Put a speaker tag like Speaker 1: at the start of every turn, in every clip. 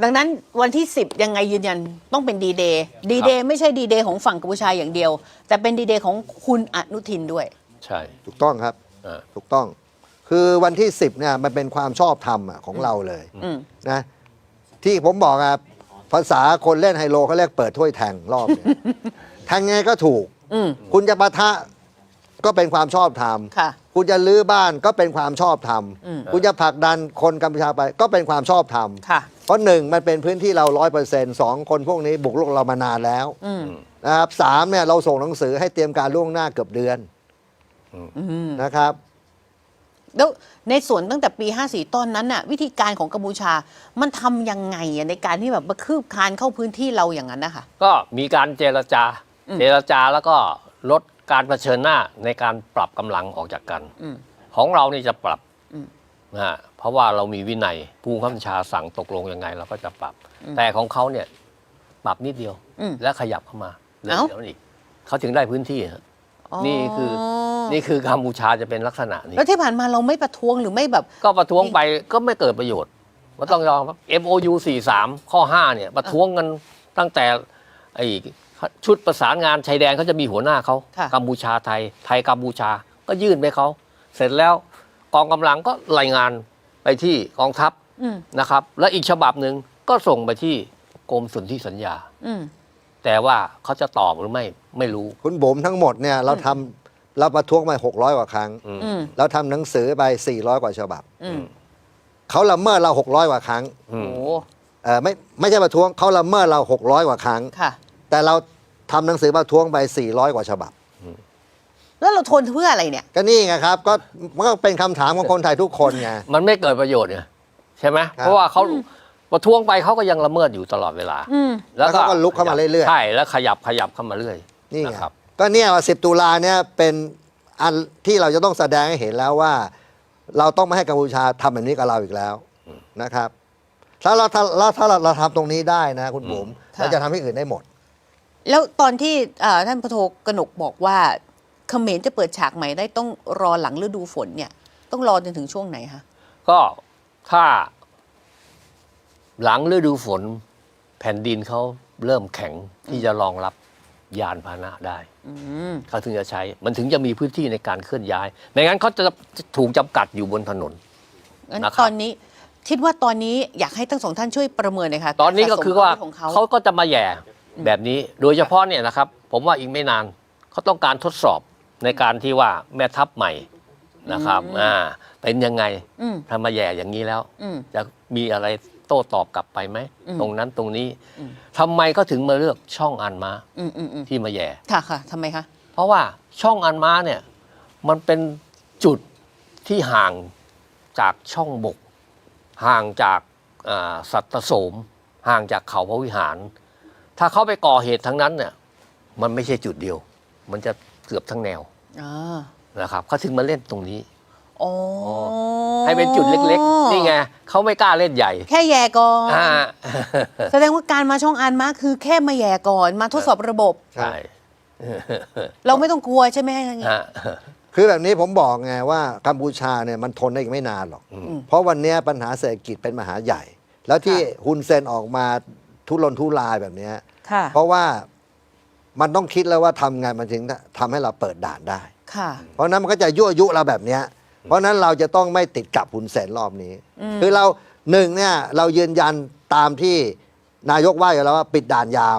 Speaker 1: ดังนั้นวันที่10ยังไงยืนยันต้องเป็นดีเดย์ไม่ใช่ดีเดย์ของฝั่งกัมพูชาอย่างเดียวแต่เป็นดีเดย์ของคุณอนุทินด้วย
Speaker 2: ใช่
Speaker 3: ถูกต้องครับถูกต้องคือวันที่10เนี่ยมันเป็นความชอบธรรมของเราเลยนะที่ผมบอกอะภาษาคนเล่นไฮโลเขาเรียกเปิดถ้วยแทงรอบเนี่ยแทงไงก็ถูกคุณจะปะทะก็เป็นความชอบธรรมคุณจะลื้อบ้านก็เป็นความชอบธรรมคุณจะผลักดันคนกัมพูชาไปก็เป็นความชอบธรรมเพราะ1มันเป็นพื้นที่เรา100%2คนพวกนี้บุกรุกเรามานานแล้วนะครับ3เนี่ยเราส่งหนังสือให้เตรียมการล่วงหน้าเกือบเดือนนะครับ
Speaker 1: แล้วในส่วนตั้งแต่ปี54ตอนนั้นน่ะวิธีการของกัมพูชามันทำยังไงในการที่แบบมาคืบคลานเข้าพื้นที่เราอย่างนั้นนะคะ
Speaker 2: ก็มีการเจรจาแล้วก็ลดการเผชิญหน้าในการปรับกำลังออกจากกันของเรานี่จะปรับนะเพราะว่าเรามีวินัยผู้บังคับบัญชาสั่งตกลงยังไงเราก็จะปรับแต่ของเขาเนี่ยปรับนิดเดียวแล้วขยับเข้ามาเดี๋ยวอีกเขาถึงได้พื้นที่นี่คือกัมพูชาจะเป็นลักษณะนี้
Speaker 1: แล้วที่ผ่านมาเราไม่ประท้วงหรือไม่แบบ
Speaker 2: ก็ประท้วงไปก็ไม่เกิดประโยชน์ว่าต้องยอมครับ MOU 43ข้อ5เนี่ยประท้วงกันตั้งแต่ไอ้ชุดประสานงานชายแดนเขาจะมีหัวหน้าเขากัมพูชาไทยกัมพูชาก็ยื่นไปเขาเสร็จแล้วกองกำลังก็รายงานไปที่กองทัพนะครับและอีกฉบับหนึ่งก็ส่งไปที่กรมสนธิสัญญาแต่ว่าเขาจะตอบหรือไม่รู้
Speaker 3: คุณบุ๋มทั้งหมดเนี่ยเราประท้วงไป600 กว่าครั้งเราทำหนังสือไป400 กว่าฉบับเขาละเมิดเรา600 กว่าครั้งไม่ใช่ประท้วงเขาละเมิดเรา600 กว่าครั้งแต่เราทำหนังสือประท้วงไป400 กว่าฉบับ
Speaker 1: แล้วเราทนเพื่ออะไรเนี่ย
Speaker 3: ก็นี่ไงครับก็มันก็เป็นคำถามของคนไทยทุกคนไง
Speaker 2: มันไม่เกิดประโยชน์ไงใช่ไหมเพราะว่าเขาประท้วงไปเขาก็ยังละเมิดอยู่ตลอดเวลา
Speaker 3: แล้วก็ลุกเข้ามาเรื่อย
Speaker 2: ๆใช่แล้วขยับเข้ามาเรื่อย
Speaker 3: นี่ครับก็เนี่ยว่า10 ตุลาเนี่ยเป็นอันที่เราจะต้องแสดงให้เห็นแล้วว่าเราต้องไม่ให้กัมพูชาทำแบบนี้กับเราอีกแล้วนะครับถ้าเราทำตรงนี้ได้นะคุณบุ๋มเราจะทำให้อื่นได้หมด
Speaker 1: แล้วตอนที่ท่านพลโทกนกบอกว่าเขมรจะเปิดฉากใหม่ได้ต้องรอหลังฤดูฝนเนี่ยต้องรอจนถึงช่วงไหนคะ
Speaker 2: ก็ถ้าหลังฤดูฝนแผ่นดินเขาเริ่มแข็งที่จะรองรับยานพาหนะได้เขาถึงจะใช้มันถึงจะมีพื้นที่ในการเคลื่อนย้ายไม่งั้นเขาจะถูกจำกัดอยู่บนถนน
Speaker 1: งั้นตอนนี้คิดว่าตอนนี้อยากให้ทั้งสองท่านช่วยประเมินหน่อยค่ะ
Speaker 2: ตอนนี้ก็คือว่าเขาก็จะมาแย่แบบนี้โดยเฉพาะเนี่ยนะครับผมว่าอีกไม่นานเขาต้องการทดสอบในการที่ว่าแม่ทัพใหม่นะครับเป็นยังไงถ้ามาแย่อย่างนี้แล้วจะมีอะไรโต้ตอบกลับไปไหมตรงนั้นตรงนี้ทำไมก็ถึงมาเลือกช่องอันมาที่มาแย่
Speaker 1: ค่ะทำไมคะ
Speaker 2: เพราะว่าช่องอันมาเนี่ยมันเป็นจุดที่ห่างจากช่องบกห่างจากสัตตโสมห่างจากเขาพระวิหารถ้าเขาไปก่อเหตุทั้งนั้นเนี่ยมันไม่ใช่จุดเดียวมันจะเกือบทั้งแนวนะครับเขาถึงมาเล่นตรงนี้ให้เป็นจุดเล็กๆนี่ไงเขาไม่กล้าเล่นใหญ่
Speaker 1: แค่แย่ก่อนแสดงว่าการมาช่องอันมาคือแค่มาแย่ก่อนมาทดสอบระบบ
Speaker 2: ใช่
Speaker 1: เราไม่ต้องกลัวใช่ไหม
Speaker 3: คือแบบนี้ผมบอกไงว่ากัมพูชาเนี่ยมันทนได้อีกไม่นานหรอกเพราะวันนี้ปัญหาเศรษฐกิจเป็นมหาใหญ่ แล้วที่ฮุนเซนออกมาทุรนทุรายแบบนี้เพราะว่ามันต้องคิดแล้วว่าทำไงมันถึงทำให้เราเปิดด่านได้เพราะนั้นมันก็จะยั่วยุเราแบบนี้เพราะนั้นเราจะต้องไม่ติดกับฮุนเซนรอบนี้คือเราเนี่ยเรายืนยันตามที่นายกว่าอยู่แล้วว่าปิดด่านยาว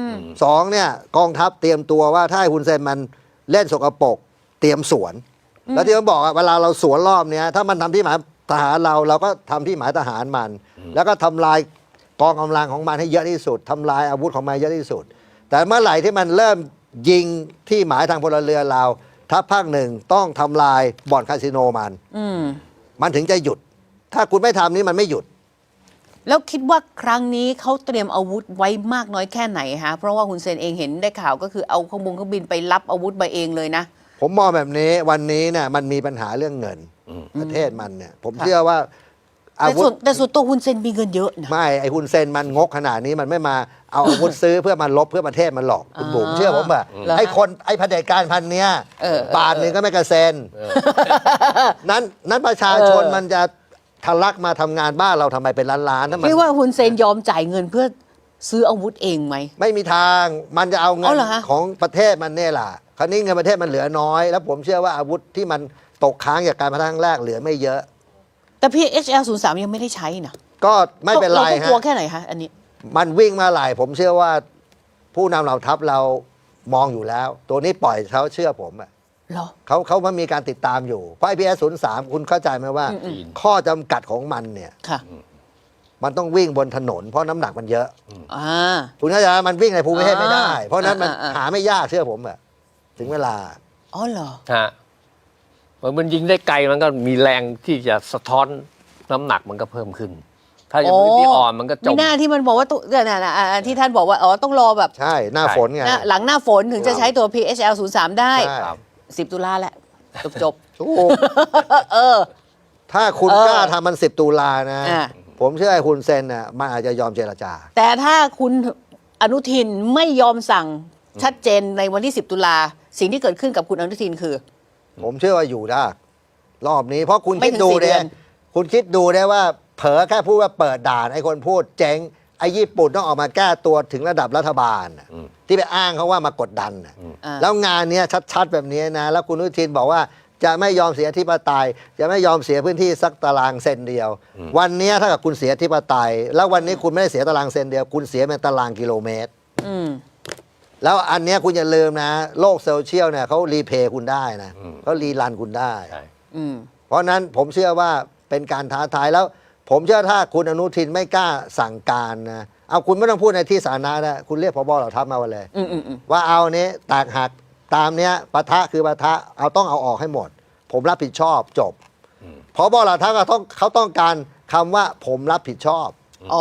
Speaker 3: 2เนี่ยกองทัพเตรียมตัวว่าถ้าฮุนเซนมันเล่นสกปรกเตรียมสวนแล้วที่ผมบอกเวลาเราสวนรอบนี้ถ้ามันทำที่หมายทหารเราก็ทำที่หมายทหารมันแล้วก็ทำลายกองกำลังของมันให้เยอะที่สุดทำลายอาวุธของมันเยอะที่สุดแต่เมื่อไหร่ที่มันเริ่มยิงที่หมายทางพลเรือนเราทัพภาคหนึ่งต้องทำลายบ่อนคาสิโนมันถึงจะหยุดถ้าคุณไม่ทำนี้มันไม่หยุด
Speaker 1: แล้วคิดว่าครั้งนี้เขาเตรียมอาวุธไว้มากน้อยแค่ไหนฮะเพราะว่าฮุนเซนเองเห็นได้ข่าวก็คือเอาเครื่องบินไปรับอาวุธมาเองเลยนะ
Speaker 3: ผมมองแบบนี้วันนี้เนี่ยมันมีปัญหาเรื่องเงินประเทศมันเนี่ยผมเชื่อว่า
Speaker 1: แต่ส่วนตัวฮุนเซนมีเงินเยอะนะ
Speaker 3: ไม่ไอฮุนเซนมันงกขนาดนี้มันไม่มาเอาอาวุธซื้อเพื่อมาลบเพื่อประเทศมันหรอกคุณบุ๋มเชื่อผมป่ะไอ้เผด็จการพันเนี้ยบาทหนึ่งก็ไม่กระเซ็นนั้นประชาชนมันจะทะลักมาทำงานบ้านเราทำไมเป็นล้านๆถ้ามัน
Speaker 1: พี่ว่าฮุนเซนยอมจ่ายเงินเพื่อซื้ออาวุธเองไหม
Speaker 3: ไม่มีทางมันจะเอาเงิ
Speaker 1: เอา
Speaker 3: น
Speaker 1: เหรอฮะ
Speaker 3: ของประเทศมันเนี่ยแหละคราวนี้เงินประเทศมันเหลือน้อย แล้วผมเชื่อว่าอาวุธที่มันตกค้างจากการพนันครั้งแรกเหลือไม่เยอะ
Speaker 1: แต่พี่ HL03 ยังไม่ได้ใช้นะ
Speaker 3: ก็ไม่เป็นไร
Speaker 1: เราต้อง
Speaker 3: ฮะ
Speaker 1: กลัวแค่ไหนคะอันนี้
Speaker 3: มันวิ่งมาหลายผมเชื่อว่าผู้นำเหล่าทัพเรามองอยู่แล้ว ตัวนี้ปล่อยเขาเชื่อผมอะ
Speaker 1: เหรอ
Speaker 3: เขามันมีการติดตามอยู่ เพราะ IPS03 คุณเข้าใจไหมว่า ข้อจำกัดของมันเนี่ย
Speaker 1: ค่ะ
Speaker 3: มันต้องวิ่งบนถนน เพราะน้ำหนักมันเยอะ
Speaker 1: อ่า
Speaker 3: คุณเข้าใจไหมมันวิ่งในภูมิประเทศไม่ได้
Speaker 1: อ่า
Speaker 3: เพราะฉะนั้นมัน
Speaker 1: อ่า
Speaker 3: หาไม่ยากเชื่อผมอะถึงเวลา
Speaker 1: อ๋อเหรอ
Speaker 2: ฮะมันยิงได้ไกลมันก็มีแรงที่จะสะท้อนน้ำหนักมันก็เพิ่มขึ้น ถ้าอย่างพื้นที่อ่อนมันก็จ
Speaker 1: มี
Speaker 2: ม
Speaker 1: หน้าที่มันบอกว่าตัวเนี่ยนะที่ท่านบอกว่าอ๋อต้องรอแบบ
Speaker 3: ใช่หน้าฝนไง
Speaker 1: หลังหน้าฝนถึงจะใช้ตัว PHL03 ได้
Speaker 3: ใช่
Speaker 2: ครับ
Speaker 1: 10 ตุลาแหละ จบ
Speaker 3: ถูก
Speaker 1: เออ
Speaker 3: ถ้าคุณ
Speaker 1: เออ
Speaker 3: กล้าทำมัน10 ตุลานะ
Speaker 1: อ่า
Speaker 3: ผมเชื่อไอ้คุณเซนน่ะมันอาจจะยอมเจรจา
Speaker 1: แต่ถ้าคุณอนุทินไม่ยอมสั่งชัดเจนในวันที่ 10 ตุลาสิ่งที่เกิดขึ้นกับคุณอนุทินคือ
Speaker 3: ผมเชื่อว่าอยู่ได้รอบนี้เพราะคุณ
Speaker 1: ไม่
Speaker 3: คิด
Speaker 1: ถึง
Speaker 3: ดู
Speaker 1: 4 เดื
Speaker 3: เนี่
Speaker 1: อย น
Speaker 3: คุณคิดดูได้ว่าเผลอแค่พูดว่าเปิดด่านไอ้คนพูดเจ๊งไอ้ญี่ปุ่นต้องออกมาแก้ตัวถึงระดับรัฐบาลน่ะที่ไปอ้างเขาว่ามากดดันน่ะ
Speaker 1: อ่า
Speaker 3: แล้วงานเนี้ยชัดๆแบบนี้นะแล้วคุณอนุทินบอกว่าจะไม่ยอมเสียอธิปไตยจะไม่ยอมเสียพื้นที่สักตารางเซนเดียว วันเนี้ยถ้ากับคุณเสียอธิปไตย แล้ววันนี้คุณไม่ได้เสียตารางเซนเดียว คุณเสียเป็นตารางกิโลเมตร
Speaker 1: อืม
Speaker 3: แล้วอันเนี้ยคุณอย่าลืมนะ โลกโซเชียลเนี่ยเขารีเพย์คุณได้นะเขารีรันคุณได้
Speaker 2: ใช่
Speaker 1: อืม
Speaker 3: เพราะนั้นผมเชื่อว่าเป็นการท้าทายแล้ว ผมเชื่อถ้าคุณอนุทินไม่กล้าสั่งการนะเอาคุณไม่ต้องพูดในที่สาธารณะนะคุณเรียกพบเหล่าทัพมาวันเลย
Speaker 1: อืมอืมอืม
Speaker 3: ว่าเอานี้แตกหักตามเนี้ยปะทะคือปะทะเอาต้องเอาออกให้หมด ผมรับผิดชอบจบพบเหล่าทัพเขาต้องการคำว่าผมรับผิดชอบ
Speaker 1: อ๋อ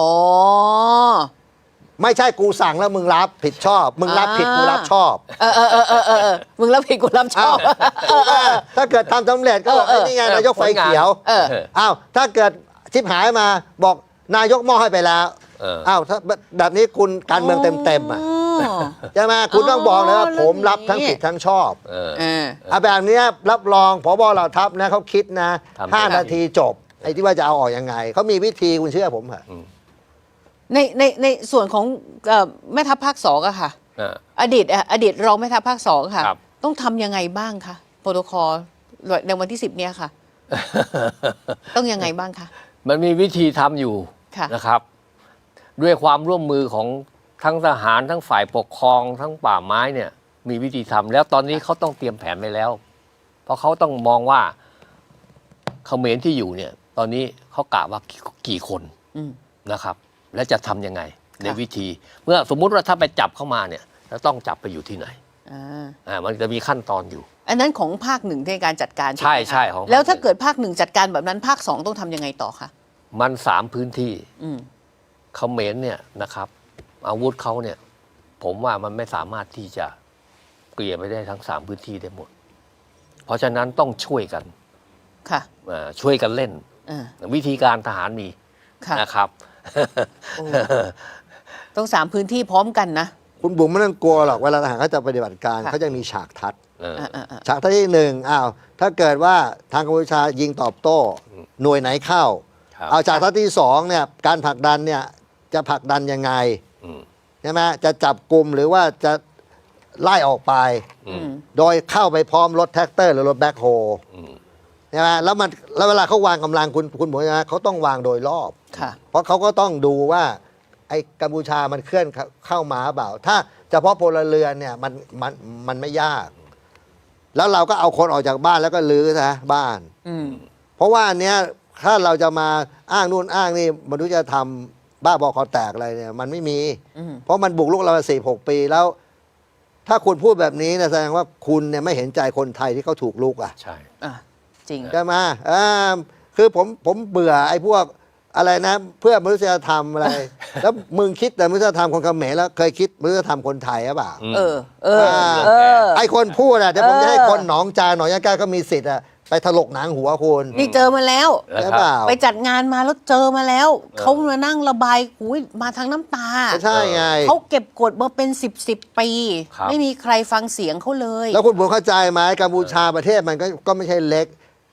Speaker 3: ไม่ใช่กูสั่งแล้วมึงรับผิดชอบ มึงรับผิดกูรับชอบ
Speaker 1: มึงรับผิดกูรับชอบ
Speaker 3: ถ้าเกิดทำสำเร็จก็บอก
Speaker 1: เออ
Speaker 3: ไอ้นี่ไงนายกไฟเขียว
Speaker 1: เออ
Speaker 3: อ้าวถ้าเกิดชิบหายมาบอกนายกมอบให้ไปแล้ว อ้าวถ้าแบบนี้คุณการเมืองเต็มๆอ่ะใช่ไหมคุณต้องบอกเลยว่าผมรับทั้งผิดทั้งชอบ
Speaker 2: เออ
Speaker 3: เอาแบบเนี้ยรับรองผบเหล่าทัพนะเขาคิดนะ
Speaker 2: ทำได้
Speaker 3: 5 นาทีจบไอ้ที่ว่าจะเอาออกยังไงเขามีวิธีคุณเชื่อผมเหรอ
Speaker 1: ในส่วนของแม่ทัพภาคสองอะค่ะ อดีตรองแม่ทัพภาคสองค่ะ
Speaker 2: ครับ
Speaker 1: ต้องทำยังไงบ้างคะโปรโตคอลในวันที่ 10 เนี้ยค่ะ ต้องยังไงบ้างคะ
Speaker 2: มันมีวิธีทำอยู่
Speaker 1: ค่ะ
Speaker 2: นะครับ ด้วยความร่วมมือของทั้งทหารทั้งฝ่ายปกครองทั้งป่าไม้เนี่ย มีวิธีทำแล้วตอนนี้เขาต้องเตรียมแผนไปแล้ว เพราะเขาต้องมองว่าเขมรที่อยู่เนี่ย ตอนนี้เขากะว่ากี่คน
Speaker 1: อืม
Speaker 2: นะครับ และจะทำยังไงใน
Speaker 1: ค่ะ
Speaker 2: วิธี เมื่อสมมุติว่าถ้าไปจับเข้ามาเนี่ยจะต้องจับไปอยู่ที่ไหน มันจะมีขั้นตอนอยู่
Speaker 1: อันนั้นของภาคหนึ่งในการจัดการ
Speaker 2: ใช่
Speaker 1: ไหมคะ
Speaker 2: ใช่ของภาค
Speaker 1: แล้วถ้า
Speaker 2: หนึ่ง
Speaker 1: เกิดภาคหนึ่งจัดการแบบนั้นภาคสองต้องทำยังไงต่อคะ
Speaker 2: มัน3 พื้นที่
Speaker 1: อืม
Speaker 2: เขมรเนี่ยนะครับ อาวุธเขาเนี่ย ผมว่ามันไม่สามารถที่จะเกลี่ยไปได้ทั้ง3 พื้นที่ได้หมด เพราะฉะนั้นต้องช่วยกัน
Speaker 1: ค่ะ
Speaker 2: ช่วยกันเล่น
Speaker 1: อ่า
Speaker 2: วิธีการทหารมี
Speaker 1: ค่ะ
Speaker 2: นะครับ
Speaker 1: โอ้ ต้อง3 พื้นที่พร้อมกันนะ
Speaker 3: คุณบุ๋มไม่ต้องกลัวหรอกเวลาทหารเขาจะปฏิบัติการ
Speaker 1: ค่ะ
Speaker 3: เขาจะมีฉากทัด
Speaker 1: อ่า
Speaker 3: ฉากทัดที่หนึ่งอ้าวถ้าเกิดว่าทางกัมพูชายิงตอบโต้ หน่วยไหนเข้า
Speaker 2: ครับ
Speaker 3: เอาฉากทัดที่สองเนี่ยการผลักดันเนี่ยจะผลักดันยังไง
Speaker 2: อืม
Speaker 3: ใช่ไหมจะจับกลุ่มหรือว่าจะไล่ออกไป
Speaker 2: อืม
Speaker 3: โดยเข้าไปพร้อมรถแท็กเตอร์หรือรถแบ็คโฮ
Speaker 2: อืม
Speaker 3: ใช่ไหมแล้วเวลาเขาวางกำลังคุณบอกนะเขาต้องวางโดยรอบ
Speaker 1: ค่ะ
Speaker 3: เพราะเขาก็ต้องดูว่าไอ้กัมพูชามันเคลื่อนเข้ามาเปล่า ถ้าเฉพาะพลเรือนเนี่ยมันไม่ยาก แล้วเราก็เอาคนออกจากบ้านแล้วก็ลื้อนะบ้าน
Speaker 1: อืม
Speaker 3: เพราะว่าอันเนี้ยถ้าเราจะมาอ้างนู่นอ้างนี่มนุษยธรรมบ้าบอคอแตกอะไรเนี่ยมันไม่มี
Speaker 1: อืม
Speaker 3: เพราะมันบุกรุกเรา46 ปีแล้ว ถ้าคุณพูดแบบนี้เนี่ยแสดงว่าคุณเนี่ยไม่เห็นใจคนไทยที่เขาถูกลุกอ่ะ
Speaker 2: ใช่
Speaker 1: อ่ะจริง
Speaker 3: ใช่ไหมคือผมเบื่อไอ้พวกอะไรนะ เพื่อมนุษยธรรมอะไร แล้วมึงคิดแต่มนุษยธรรมคนเขมรแล้วเคยคิดมนุษยธรรมคนไทยหรือเปล่า
Speaker 1: เออ เออ
Speaker 3: ไอ้คนพูดอ่ะเดี๋ยวผมจะให้คนหนองจาหนองยะแก้วก็มีสิทธิ์อ่ะไปถลกหนังหัวคุณ
Speaker 1: นี่เจอมาแล้ว
Speaker 3: ใช่เปล่า
Speaker 1: ไปจัดงานมาแล้วเจอมาแล้ว เขามานั่งระบายหูยมาทางน้ำตา
Speaker 3: ก็ใช่ไง
Speaker 1: เขาเก็บกดมาเป็น10 ปี
Speaker 2: ครับ
Speaker 1: ไม่มีใครฟังเสียงเขาเลย
Speaker 3: แล้วคุณผมเข้าใจไหมกัมพูชาประเทศมันก็ไม่ใช่เล็ก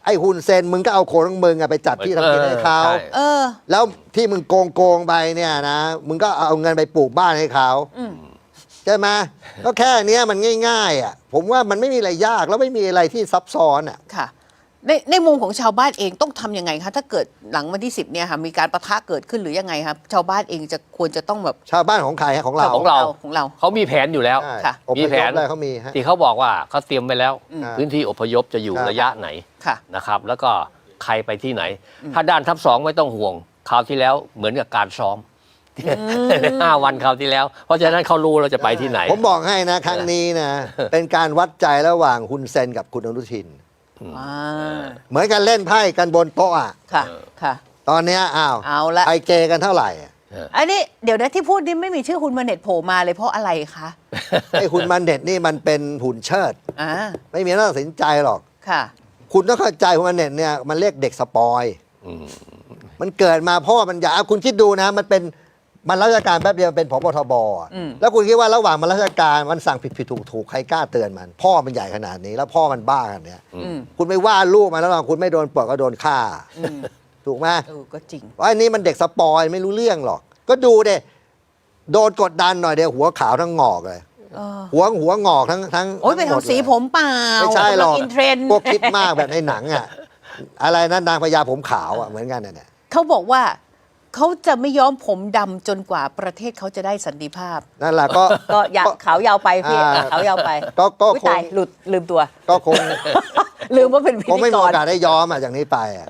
Speaker 3: ไอ้ฮุนเซนมึงก็เอาคนของมึงไปจัดที่ทำกินให้เขา
Speaker 2: ใช่
Speaker 3: แล้วที่มึงโกงไปเนี่ยนะมึงก็เอาเงินไปปลูกบ้านให้เขาใช่ไหมก็แค่เนี้ยมันง่ายๆอ่ะผมว่ามันไม่มีอะไรยากแล้วไม่มีอะไรที่ซับซ้อนอ่ะ
Speaker 1: ค่ะในมุมของชาวบ้านเองต้องทำยังไงคะถ้าเกิดหลังวันที่ 10เนี่ยค่ะมีการปะทะเกิดขึ้นหรือยังไงครับชาวบ้านเองจะควรจะต้องแบบ
Speaker 3: ชาวบ้านของใครฮะของเรา
Speaker 2: ของเรา
Speaker 1: ของเรา
Speaker 2: เขามีแผนอยู่แล้ว
Speaker 3: ใช่
Speaker 1: ค่ะ
Speaker 3: อพ
Speaker 2: มี
Speaker 3: ย
Speaker 2: แผ
Speaker 3: พ
Speaker 2: น
Speaker 3: อะไรเขามีฮะ
Speaker 2: ที่เขาบอกว่าเขาเตรียมไปแล้ว
Speaker 3: ครับ
Speaker 2: พื้นที่อพยพจะอยู่
Speaker 3: ครับ
Speaker 2: ระยะไหน
Speaker 1: ค่ะ
Speaker 2: นะครับ แล้วก็ใครไปที่ไหน ถ้าด้านทัพสองไม่ต้องห่วงคราวที่แล้วเหมือนกับการซ้อม 5 วันคราวที่แล้ว เพราะฉะนั้นเขารู้เราจะไปที่ไหน
Speaker 3: ผมบอกให้นะครั้งนี้นะ เป็นการวัดใจระหว่างฮุนเซนกับคุณอนุทิน
Speaker 1: อ่า
Speaker 3: เหมือนกันเล่นไพ่กันบนโต๊ะอ่ะ
Speaker 1: ค่ะค่ะ
Speaker 3: ตอนเนี้ย
Speaker 1: เอาละ
Speaker 3: ไอเกกันเท่าไหร่อะ
Speaker 1: อันนี้เดี๋ยวนะที่พูดนี่ไม่มีชื่อคุณมาเน็ตโผล่มาเลยเพราะอะไรคะ
Speaker 3: ไอ้คุณมันเด็ดนี่มันเป็นหุ่นเชิด
Speaker 1: อ่า
Speaker 3: ไม่มีน่าตัดสินใจหรอก
Speaker 1: ค่ะ
Speaker 3: คุณต้องเข้าใจคุณมันเด็ดเนี่ยมันเรียกเด็กสปอย มันเกิดมาเพราะว่ามันอยากคุณคิดดูนะมันราชการแป๊บเดียวเป็นผบทบอะแล้วคุณคิดว่าระหว่างมันราชการมันสั่งผิดถูกใครกล้าเตือนมัน พ่อมันใหญ่ขนาดนี้แล้วพ่อมันบ้าขนาดเนี้ยคุณไม่ว่าลูกมันแล้วหรอกคุณไม่โดนปลดก็โดนฆ่าถูกไหม
Speaker 1: ก็จริง
Speaker 3: เพราะอันนี้มันเด็กสปอยไม่รู้เรื่องหรอก ก็ดูเด้โดนกดดันหน่อยเดียวหัวขาวทั้งงอกเลยหัวงอกทั้ง
Speaker 1: โอ้ยไป
Speaker 3: หมด
Speaker 1: ทำสี
Speaker 3: เลย
Speaker 1: ผมเปล่า
Speaker 3: ไม่ใช่หรอก
Speaker 1: อินเทรนด์
Speaker 3: พวกคิดมากแบบในหนังอ่ะ อะไรนะนางพญาผมขาวอ่ะเหมือนกันเนี่ย
Speaker 1: เขาบอกว่าเขาจะไม่ย้อมผมดำจนกว่าประเทศเขาจะได้สันติภาพ
Speaker 3: นั่นแหละก็
Speaker 1: ก็อยากขาวยาวไปพี่ ขาวยาวไป
Speaker 3: ก็
Speaker 1: อุ๊ย
Speaker 3: คง
Speaker 1: ตายหลุดลืมตัว
Speaker 3: ก็คง
Speaker 1: ลืมว่าเป็นพิ
Speaker 3: คง
Speaker 1: ธี
Speaker 3: ไม่มี
Speaker 1: ก
Speaker 3: โอ
Speaker 1: ร
Speaker 3: กาสได้ย้อมอ่ะจากนี้ไปอ่ะ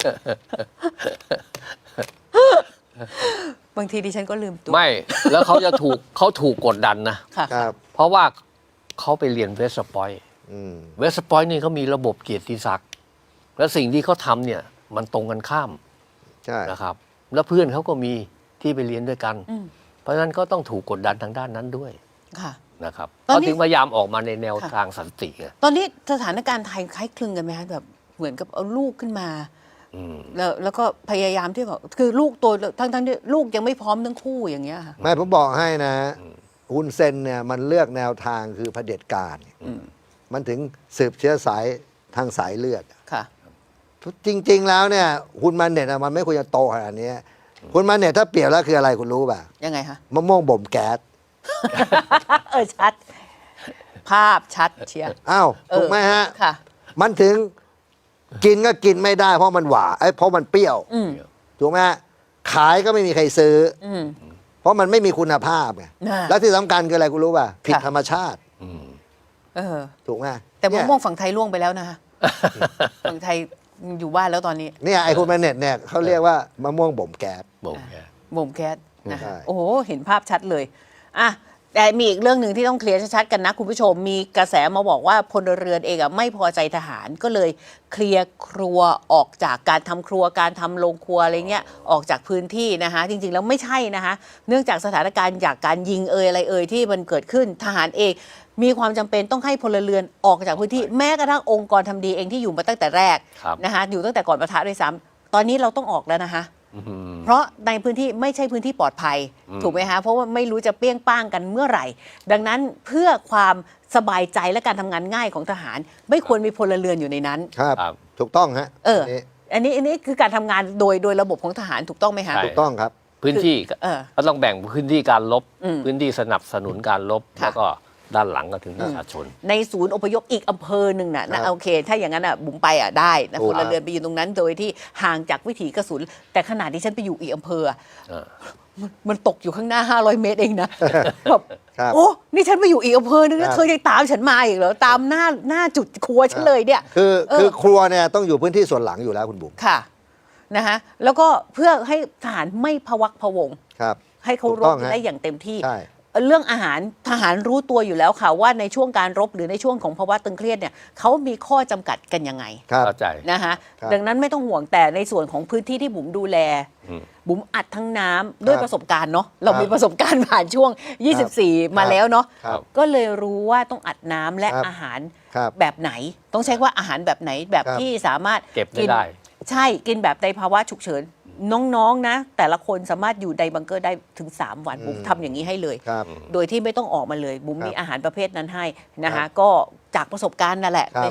Speaker 1: บางทีดิฉันก็ลืมตัว
Speaker 2: ไม่แล้วเขาถูกกดดันนะ
Speaker 1: ค่ะ
Speaker 3: ครับ
Speaker 2: เพราะว่าเขาไปเรียนเวสต์พอยต์
Speaker 3: อืม
Speaker 2: เวสต์พอยต์นี่เขามีระบบเกียรติศักดิ์และสิ่งที่เขาทำเนี่ยมันตรงกันข้าม
Speaker 3: ใช่
Speaker 2: นะครับ แล้วเพื่อนเขาก็มีที่ไปเรียนด้วยกัน
Speaker 1: อืม
Speaker 2: เพราะฉะนั้นก็ต้องถูกกดดันทางด้านนั้นด้วย
Speaker 1: ค่ะ
Speaker 2: นะครับ
Speaker 1: ตอน
Speaker 2: เขา
Speaker 1: นี้
Speaker 2: ถึงพยายามออกมาในแนว
Speaker 1: ค่ะ
Speaker 2: ทางสันติไง
Speaker 1: ตอนนี้สถานการณ์ไทยคล้ายคลึงกันไหมคะแบบเหมือนกับเอาลูกขึ้นมา
Speaker 2: อืม
Speaker 1: แล้วก็พยายามที่แบบคือลูกตัวทั้งที่ลูกยังไม่พร้อมทั้งคู่อย่างเงี้ยค่ะ
Speaker 3: ไม่ผมบอกให้นะฮุนเซนเนี่ยมันเลือกแนวทางคือเผด็จการมันถึงสืบเชื้อสายทางสายเลือด
Speaker 1: ค่ะ
Speaker 3: จริง ๆ แล้วเนี่ยคุณมันเน็ตมันไม่ควรจะโตขนาดนี้คุณมันเน็ตถ้าเปรียบแล้วคืออะไรคุณรู้ป่ะ
Speaker 1: ยังไงคะ
Speaker 3: มะม่วงบ่มแก๊ส
Speaker 1: ชัด ภาพชัดเชียร์
Speaker 3: อ้าวถูกไหมฮะ
Speaker 1: ค่ะ
Speaker 3: มันถึงกินก็กินไม่ได้เพราะมันหวานเพราะมันเปรี้ยว
Speaker 1: อืม
Speaker 3: ถูกไหมฮะขายก็ไม่มีใครซื้อ
Speaker 1: อืม
Speaker 3: เพราะมันไม่มีคุณภาพไง
Speaker 1: น่ะ
Speaker 3: แล้วที่สำคัญคืออะไรคุณรู้ป่ะผิด
Speaker 1: ค่ะ
Speaker 3: ธรรมชาติ
Speaker 1: เออ
Speaker 3: ถูกไหม
Speaker 1: แต่มะ
Speaker 3: เนี่ย
Speaker 1: ม่วงฝั่งไทยล่วงไปแล้วนะคะฝั่งไทยอยู่บ้านแล้วตอนนี้
Speaker 3: เนี่ยไอ้คุณมันเน็ตเนี่ยเขาเรียกว่ามะม่วงบ่มแก๊ส
Speaker 2: บอกแก
Speaker 1: บ่มแก๊สนะ
Speaker 3: ใช่
Speaker 1: คะโอ้โหเห็นภาพชัดเลยอ่ะแต่มีอีกเรื่องหนึ่งที่ต้องเคลียร์ชัดๆกันนะคุณผู้ชมมีกระแสมาบอกว่าพลเรือนเองอ่ะไม่พอใจทหารก็เลยเคลียร์ครัวออกจากการทำครัวการทำโรงครัวอะไรเงี้ยออกจากพื้นที่นะคะจริงๆแล้วไม่ใช่นะคะเนื่องจากสถานการณ์จากการยิงอะไรที่มันเกิดขึ้นทหารเองมีความจำเป็นต้องให้พลเรือนออกจากพื้นที่แม้กระทั่งองค์กรทำดีเองที่อยู่มาตั้งแต่แรก
Speaker 2: ครับ
Speaker 1: นะคะอยู่ตั้งแต่ก่อนปะทะด้วยซ้ำตอนนี้เราต้องออกแล้วนะคะ เพราะในพื้นที่ไม่ใช่พื้นที่ปลอดภัย ถูกไหมคะเพราะว่าไม่รู้จะเปี้ยงป้างกันเมื่อไหร่ ดังนั้นเพื่อความสบายใจและการทำงานง่ายของทหาร ไม่ควรมีพลเรือนอยู่ในนั้น
Speaker 3: ครับ
Speaker 2: ครับ
Speaker 3: ถูกต้องฮะ
Speaker 1: อันนี้คือการทำงานโดยระบบของทหารถูกต้องไหมคะ
Speaker 2: ใช่
Speaker 3: ถูกต้องครับ
Speaker 2: พื้นที่
Speaker 1: เออ
Speaker 2: ก็ต้องแบ่งพื้นที่การลบ
Speaker 1: อืม
Speaker 2: พื้นที่สนับสนุนการลบ
Speaker 1: ค่ะ
Speaker 2: แล้วก็ด้านหลังก็ถึงประชาชน
Speaker 1: ในศูนย์อพยพอีกอำเภอหนึ่งน่ะ
Speaker 3: ครั
Speaker 1: นะ
Speaker 3: บ
Speaker 1: โอเค ถ้าอย่างนั้นอ่ะบุ๋มไปอ่ะได้นะ
Speaker 3: ถู
Speaker 1: พ
Speaker 3: ก
Speaker 1: ลเรือนไปอยู่ตรงนั้น โดยที่ห่างจากวิถีกระสุน แต่ขนาดที่ฉันไปอยู่อีกอำเภออะ
Speaker 2: เออ
Speaker 1: มันตกอยู่ข้างหน้า 500 เมตรเองนะแบบ
Speaker 3: ครับ
Speaker 1: โอ้นี่ฉันไปอยู่อีกอำเภอนึง
Speaker 3: ครั
Speaker 1: นะ
Speaker 3: บ
Speaker 1: เธอยังตามฉันมาอีกเหรอตามหน้าจุดครัวฉันเลยเนี่ย
Speaker 3: คือครัวเนี่ยต้องอยู่พื้นที่ส่วนหลังอยู่แล้วคุณบุ๋ม
Speaker 1: ค่ะนะคะแล้วก็เพื่อให้ทหารไม่พะวักพะวง
Speaker 3: ครับ
Speaker 1: ให้เขา
Speaker 3: ถูก
Speaker 1: ร
Speaker 3: ต้
Speaker 1: บ
Speaker 3: องฮะ
Speaker 1: ได้อย่างเต็มที่
Speaker 3: ใช่
Speaker 1: เรื่องอาหารทหารรู้ตัวอยู่แล้วค่ะว่าในช่วงการรบหรือในช่วงของภาวะตึงเครียดเนี่ยเขามีข้อจำกัดกันยังไง
Speaker 3: ครับ
Speaker 2: เข้าใจ
Speaker 1: นะคะ
Speaker 3: ครับ
Speaker 1: ดังนั้นไม่ต้องห่วงแต่ในส่วนของพื้นที่ที่บุ๋มดูแล
Speaker 2: อืม
Speaker 1: บุ๋มอัดทั้งน้ำด้วย
Speaker 3: ครับ
Speaker 1: ประสบการณ์เนาะเรา
Speaker 3: ครับ
Speaker 1: มีประสบการณ์ผ่านช่วง 24 มาแล้วเนาะ
Speaker 3: ครับ
Speaker 1: ก็เลยรู้ว่าต้องอัดน้ำและ
Speaker 3: ครับ
Speaker 1: อาหาร
Speaker 3: ครับ
Speaker 1: แบบไหน ต้องใช้ว่าอาหารแบบไหนแบบ
Speaker 3: ครับ
Speaker 1: ที่สามารถ
Speaker 2: เก็บได้
Speaker 1: กิน
Speaker 2: ได้
Speaker 1: ใช่กินแบบในภาวะฉุกเฉินน้องๆนะแต่ละคนสามารถอยู่ในบังเกอร์ได้ถึง 3 วันบุ๋มทำอย่างนี้ให้เลย
Speaker 3: ครับ
Speaker 1: โดยที่ไม่ต้องออกมาเลยบุ๋ม
Speaker 3: ครับ
Speaker 1: มีอาหารประเภทนั้นให้นะ
Speaker 3: ครั
Speaker 1: คะ
Speaker 3: บ
Speaker 1: ก็จากประสบการณ์นั่นแหละ
Speaker 3: ครับ
Speaker 1: ในช่วง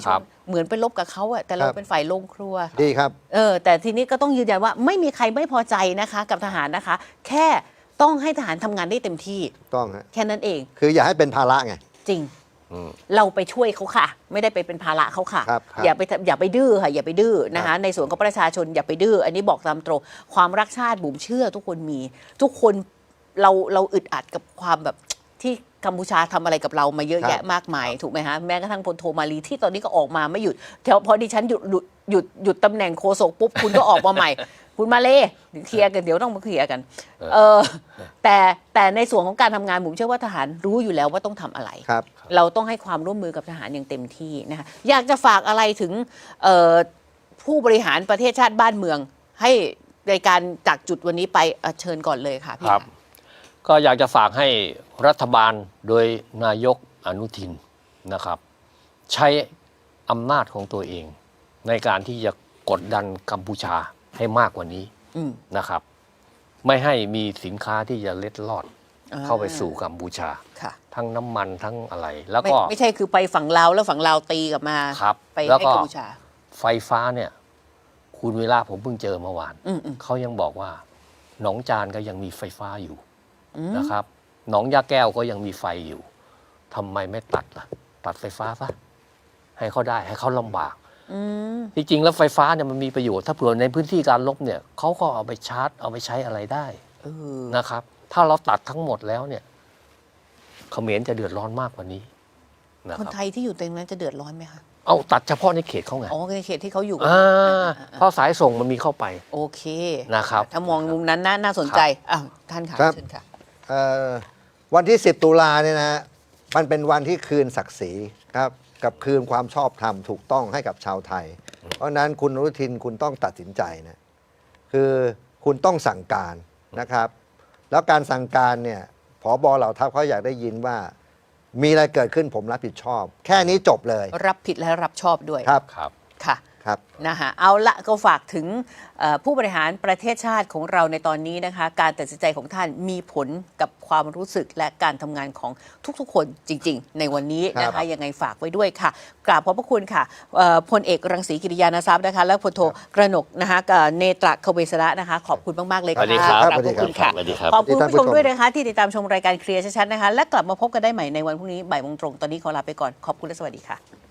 Speaker 1: เหมือนไปลบกับเขาอะแต่เราเป็นฝ่ายลงครัว
Speaker 3: ดีครับ
Speaker 1: แต่ทีนี้ก็ต้องยืนยันว่าไม่มีใครไม่พอใจนะคะกับทหารนะคะ แค่ต้องให้ทหารทำงานได้เต็มที่
Speaker 3: ต้องฮะ
Speaker 1: แค่นั้นเอง
Speaker 3: คืออย่าให้เป็นภาระไง
Speaker 1: จริง เราไปช่วยเขาค่ะ ไม่ได้ไปเป็นภาระเขาค่ะ
Speaker 3: ครับ
Speaker 1: อย่าไปดื้อค่ะอย่าไปดื้อนะคะในส่วนของประชาชนอย่าไปดื้ออันนี้บอกตามตรงความรักชาติบุ๋มเชื่อทุกคนมีทุกคนเราอึดอัดกับความแบบที่กัมพูชาทำอะไรกับเรามาเยอะแยะมากมายถูกไหมฮะแม้กระทั่งพลโทมาลีที่ตอนนี้ก็ออกมาไม่หยุดพอดิฉันหยุดตำแหน่งโฆษกปุ๊บคุณก็ออกมาใหม่ คุณมาเลยเคลียร์กันเดี๋ยวต้องมาเคลียร์กันแต่ในส่วนของการทำงานผมเชื่อว่าทหารรู้อยู่แล้วว่าต้องทำอะไร เราต้องให้ความร่วมมือกับทหารอย่างเต็มที่นะคะอยากจะฝากอะไรถึงผู้บริหารประเทศชาติบ้านเมืองให้ในการจากจุดวันนี้ไปเชิญก่อนเลยค่ะพี่
Speaker 2: ครับ ก็อยากจะฝากให้รัฐบาลโดยนายกอนุทินนะครับ ใช้อำนาจของตัวเองในการที่จะกดดันกัมพูชาให้มากกว่านี้นะครับ ไม่ให้มีสินค้าที่จะเล็ดลอดเข้าไปสู่กัมพูชาทั้งน้ำมันทั้งอะไร แล้วก็
Speaker 1: ไม่ใช่คือไปฝั่งลาวแล้วฝั่งลาวตีกลับมาไปให้กัมพูชา
Speaker 2: ไฟฟ้าเนี่ยคุณเวลาผมเพิ่งเจอเมื่อวานเขายังบอกว่าหนองจานก็ยังมีไฟฟ้าอยู่นะครับหนองยาแก้วก็ยังมีไฟอยู่ทำไมไม่ตัดล่ะตัดไฟฟ้าซะให้เขาได้ให้เขาลำบากจริงๆแล้วไฟฟ้าเนี่ยมันมีประโยชน์ถ้าเผื่อในพื้นที่การรบเนี่ยเขาก็เอาไปชาร์จเอาไปใช้อะไรได้นะครับถ้าเราตัดทั้งหมดแล้วเนี่ยเขมรจะเดือดร้อนมากกว่านี้
Speaker 1: คนไทยที่อยู่ตรงนั้นจะเดือดร้อนไหมคะ
Speaker 2: เอาตัดเฉพาะในเขตเขาไง
Speaker 1: ในเขตที่เขาอยู่
Speaker 2: เพราะสายส่งมันมีเข้าไป
Speaker 1: โอเค
Speaker 2: นะครับ
Speaker 1: ถ้ามองมุมนั้นน่าสนใจท่านค่ะเชิญค่ะ
Speaker 3: วันที่10 ตุลาเนี่ยนะมันเป็นวันที่คืนศักดิ์ศรีครับกับคืนความชอบธรรมถูกต้องให้กับชาวไทยเพราะนั้นคุณอนุทินคุณต้องตัดสินใจนะคือคุณต้องสั่งการนะครับแล้วการสั่งการเนี่ยผบ.เหล่าทัพเขาอยากได้ยินว่ามีอะไรเกิดขึ้นผมรับผิดชอบแค่นี้จบเลย
Speaker 1: รับผิดและรับชอบด้วย
Speaker 3: ครับ
Speaker 1: ค่ะนะคะเอาละก็ฝากถึงผู้บริหารประเทศชาติของเราในตอนนี้นะคะการตัดสินใจของท่านมีผลกับความรู้สึกและการทำงานของทุกๆคนจริงๆในวันนี้นะคะยังไงฝากไว้ด้วยค่ะกราบขอบพระคุณค่ะพลเอกรังสีกิริยานทรัพย์นะคะและพลโทกระหนกนะคะเนตรคเวสระนะคะขอบคุณมากๆเลยค่ะขอบคุณค่ะขอบคุณผู้ชมด้วยนะคะที่ติดตามชมรายการเคลียร์ชัดๆนะคะและกลับมาพบกันได้ใหม่ในวันพรุ่งนี้บ่ายโมงตรงตอนนี้ขอลาไปก่อนขอบคุณและสวัสดีค่ะ